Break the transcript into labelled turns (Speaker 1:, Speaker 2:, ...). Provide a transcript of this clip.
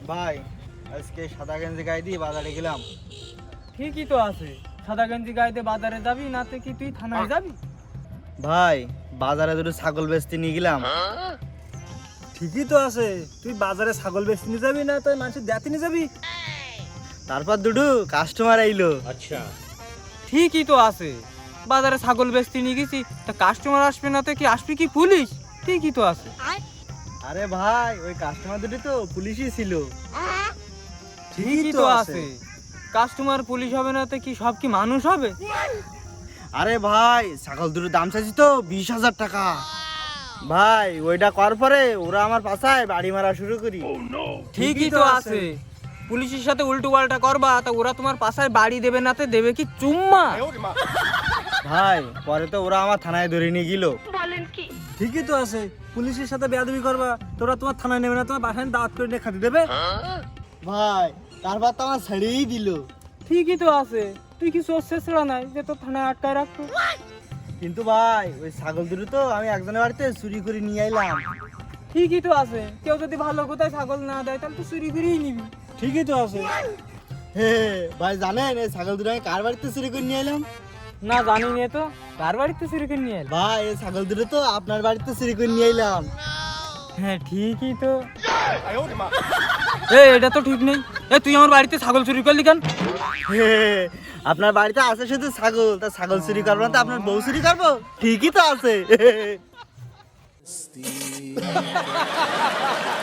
Speaker 1: ভাই আজকে সাদা গেঞ্জি গায়ে দিয়ে বাজারে গেলাম।
Speaker 2: ঠিকই তো আছে, সাদা গেঞ্জি গায়ে দিয়ে বাজারে যাবি নাতে কি তুই থানায় যাবি?
Speaker 1: ভাই বাজারে দুটো ছাগল বেচতে নিয়ে গেলাম।
Speaker 3: ঠিকই তো আছে, তুই বাজারে ছাগল বেচতে নিয়ে যাবি না তো মানুষের দেখতে নিয়ে যাবি?
Speaker 1: তারপর দুটো কাস্টমার আইলো।
Speaker 2: ঠিকই তো আছে, বাজারে ছাগল বেচতে নিয়ে গেছি, তা কাস্টমার আসবে না তো কি আসবে কি পুলিশ? ঠিকই তো আছে।
Speaker 1: আরে ভাই ওই কাস্টমার দুটো তো পুলিশই ছিল।
Speaker 2: ঠিকই তো আছে, কাস্টমার পুলিশ হবে না তো কি সব কি মানুষ হবে?
Speaker 1: আরে ভাই ছাগল দুটোর দাম চাইছি তো 20,000 টাকা। ভাই ওইটা করার পরে ওরা আমার পাছায় বাড়ি মারা শুরু করি।
Speaker 2: ঠিকই তো আছে, পুলিশের সাথে উল্টো পাল্টা করবা তা ওরা তোমার পাশায় বাড়ি দেবে নাতে দেবে কি চুম্মা?
Speaker 1: ভাই পরে তো ওরা আমার থানায় ধরে নিয়ে গেল।
Speaker 3: ঠিকই তো আছে, পুলিশের সাথে বেয়াদবি করবা, তোরা তোমার থানায় নেবে না, তোমার বাসায় দাওয়াত করে নিয়ে খাতে দেবে।
Speaker 1: ভাই তারপর তো আমার ছেড়েই দিল।
Speaker 2: ঠিকই তো আছে, তুই কি সোর্স ছেড়া নাই যে তোর থানায় আটকায় রাখতো?
Speaker 1: কিন্তু ভাই ওই ছাগল দুটো তো আমি একজনের বাড়িতে চুরি করে নিয়ে আইলাম।
Speaker 2: ঠিকই তো আছে, কেউ যদি ভালো কোথায় ছাগল না দেয় তাহলে তো চুরি করেই নিবি।
Speaker 3: ঠিকই তো আছে।
Speaker 1: হে ভাই জানেন এই ছাগল দুটো আমি কার বাড়িতে চুরি করে নিয়ে এলাম?
Speaker 2: না জানি নে তো, কার বাড়িতে চুরি করে নিয়ে এলি?
Speaker 1: ভাই এই ছাগল দুটো তো আপনার বাড়িতে চুরি করে নিয়ে এলাম।
Speaker 2: হ্যাঁ ঠিকই তো। এটা তো ঠিক নেই, তুই আমার বাড়িতে ছাগল চুরি করলি কেন?
Speaker 1: হে, আপনার বাড়িতে আছে শুধু ছাগল, তা ছাগল চুরি করবো না তো আপনার বউ চুরি করবো? ঠিকই তো আছে।